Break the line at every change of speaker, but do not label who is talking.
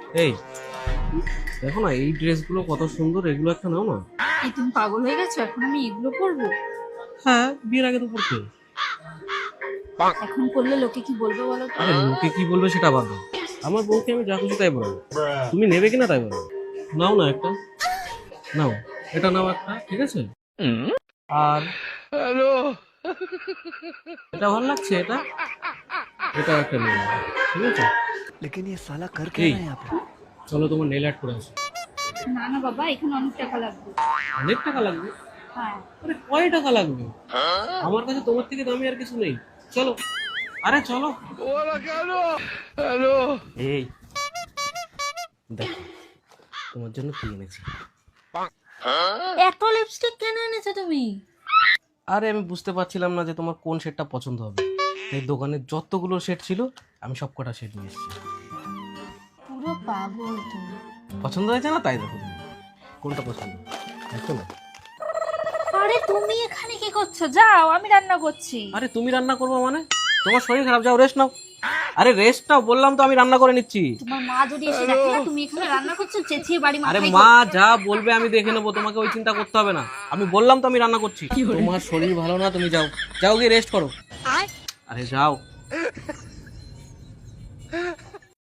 এই দেখো না, এই ড্রেসগুলো কত সুন্দর, এগুলো একটা নাও না।
এই তুমি পাগল হয়ে গেছো? এখন আমি এগুলো পরবো?
হ্যাঁ, বিয়ের আগে তো পড়তে।
এখন করলে লোকে কি বলবে বলো তো?
আরে লোকে কি বলবে সেটা বাদ দাও, আমার বউকে আমি যা খুশি তাই বলবো। তুমি নেবে কিনা তাই বলো। নাও না একটা, নাও, এটা নাও একটা, ঠিক আছে? আর এটা ভালো লাগছে, এটা এটা একটা নেবে, ঠিক আছে?
लेकिन ये साला कर क्या
এই
रहा है यहाँ पे।
চলো তোমার নেল আর্ট করে আসো।
না না বাবা, এখানে অনেক টাকা লাগবে।
অনেক টাকা লাগবে?
হ্যাঁ।
আরে কয় টাকা লাগবে? আমার কাছে তোমার থেকে দামি আর কিছু নেই। চলো, আরে চলো। এই দেখো, তোমার জন্য কি এনেছি।
এত লিপস্টিক কেন এনেছো তুমি?
আরে আমি বুঝতে পারছিলাম না যে তোমার কোন শেডটা পছন্দ হবে, এই দোকানে যতগুলো শেড ছিল আমি সব কটা শেড নিয়ে এসেছি।
পুরো পাগল তুমি।
পছন্দ হয়েছে না? তাই দেখো তুমি কোনটা পছন্দ, দেখো না।
আরে তুমি এখানে কি করছো? যাও, আমি রান্না করছি।
আরে তুমি রান্না করবো মানে? তোমার শরীর খারাপ, যাও রেস্ট নাও। আরে রেস্ট নাও বললাম তো, আমি রান্না করে নিচ্ছি।
তোমার মা যদি এসে দেখে না তুমি এখানে রান্না করছো, চেঁচিয়ে বাড়ি
আরে
মাথায়
মা
করবে।
যা বলবে আমি দেখে নেবো, তোমাকে ওই চিন্তা করতে হবে না। আমি বললাম তো আমি রান্না করছি। তোমার শরীর ভালো না, তুমি যাও, যাও গিয়ে রেস্ট করো। আরে যাও।